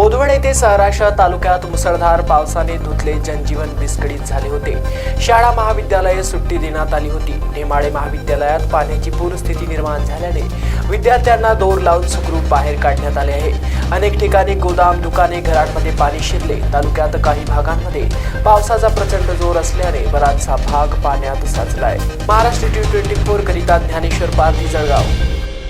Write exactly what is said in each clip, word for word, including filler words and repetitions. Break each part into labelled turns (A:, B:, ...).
A: बोदवड येथे सहराष्ट्र तालुक्यात मुसळधार पावसाने धुतले जनजीवन विस्कळीत झाले होते। शाळा महाविद्यालये सुट्टी देण्यात आली होती। नेमाळे महाविद्यालयात पाण्याची पूरस्थिती निर्माण झाल्याने विद्यार्थ्यांना दोर लावून सुखरूप बाहेर काढण्यात आले आहे। अनेक ठिकाणी गोदाम, दुकाने, घरांमध्ये पाणी शिरले। तालुक्यात काही भागांमध्ये पावसाचा प्रचंड जोर असल्याने बराचसा भाग पाण्यात साचलाय। महाराष्ट्र टी ट्वेंटी फोर करिता ज्ञानेश्वर पारधी, जळगाव।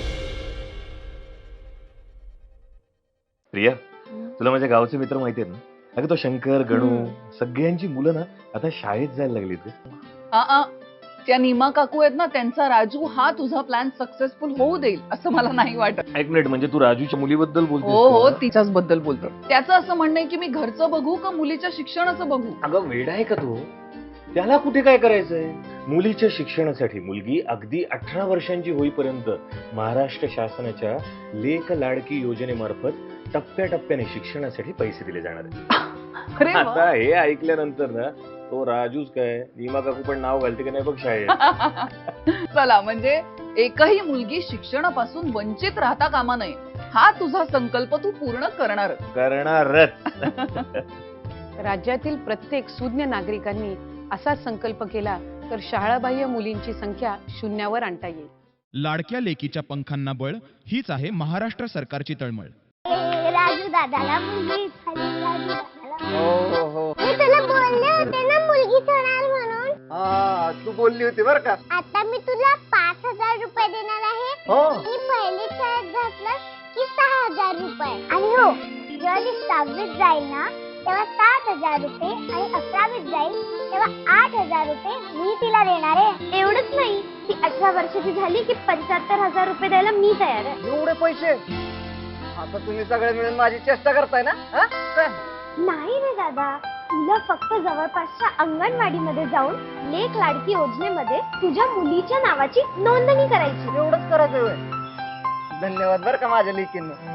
B: प्रिया, तुला माझ्या गावचे मित्र माहिती आहेत ना? अगं तो शंकर, गणू, सगळ्यांची मुलं ना आता शाळेत जायला लागलीत।
C: आ आ त्या नीमा काकू आहेत ना, त्यांचा राजू हा तुझा प्लॅन सक्सेसफुल होऊ देईल असं मला नाही वाटत।
B: एक मिनिट, म्हणजे तू राजूच्या मुलीबद्दल बोलतोस?
C: हो हो, तिच्याच बद्दल बोलतो। त्याचं असं म्हणणं आहे की मी घरचं बघू का मुलीच्या शिक्षणाचं बघू?
B: अगं वेडा आहे का तू? त्याला कुठे काय करायचंय? मुलीच्या शिक्षणासाठी मुलगी अगदी अठरा वर्षांची होईपर्यंत महाराष्ट्र शासनाच्या लेक लाडकी योजनेमार्फत टप्प्याटप्प्याने शिक्षणासाठी पैसे दिले जाणार आहेत।
C: अरे वा.
B: आता हे ऐकल्यानंतर ना तो राजूच काय, नीमा काकू पण नाव घालते की नाही बघ शाळेत।
C: चला, म्हणजे एकही मुलगी शिक्षणापासून वंचित राहता कामा नये हा तुझा संकल्प तू पूर्ण करणार
B: करणारच।
D: राज्यातील प्रत्येक सुज्ञ नागरिकांनी असा संकल्प केला तर शाळाबाह्य मुलींची संख्या शून्यावर आणता येईल।
E: लाडक्या लेकीच्या पंखांना बळ हीच आहे महाराष्ट्र सरकारची तळमळ।
F: राजू दादाला मुलगी झाली, राजू दादाला।
G: हो हो हो,
F: मी तुला बोलले होते ना मुलगीच होणार म्हणून।
G: हा तू बोलली होती बर का।
F: आता मी तुला पाच हजार रुपये देणार आहे।
G: हो,
F: मी पहिली शाळेत घातलं की सहा हजार रुपये, आणि हो जेव्हा ती सहावीत जाईल ना तेव्हा सात हजार रुपये, आणि अकरावीत जाईल तेव्हा आठ हजार रुपये मी तिला देणार आहे। एवढंच नाही, ती अठरा वर्षाची झाली की पंच्याहत्तर हजार रुपये द्यायला मी तयार आहे।
G: एवढे पैसे? आता तुम्ही सगळे मिळून माझी चेष्टा करताय ना? हा? काय?
F: नाही रे दादा, तुला फक्त जवळपासच्या अंगणवाडीमध्ये जाऊन लेक लाडकी योजनेमध्ये तुझ्या मुलीच्या नावाची नोंदणी करायची।
G: एवढंच करायचं होय? धन्यवाद बर का माझ्या लेकींना।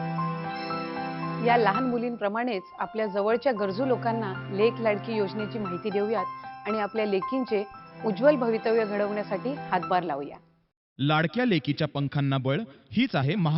D: या लहान मुलींप्रमाणेच आपल्या जवळच्या गरजू लोकांना लेक लाडकी योजनेची माहिती देऊयात आणि आपल्या लेकींचे उज्ज्वल भवितव्य घडवण्यासाठी हातभार लावूया।
E: लाडक्या लेकीच्या पंखांना बळ हीच आहे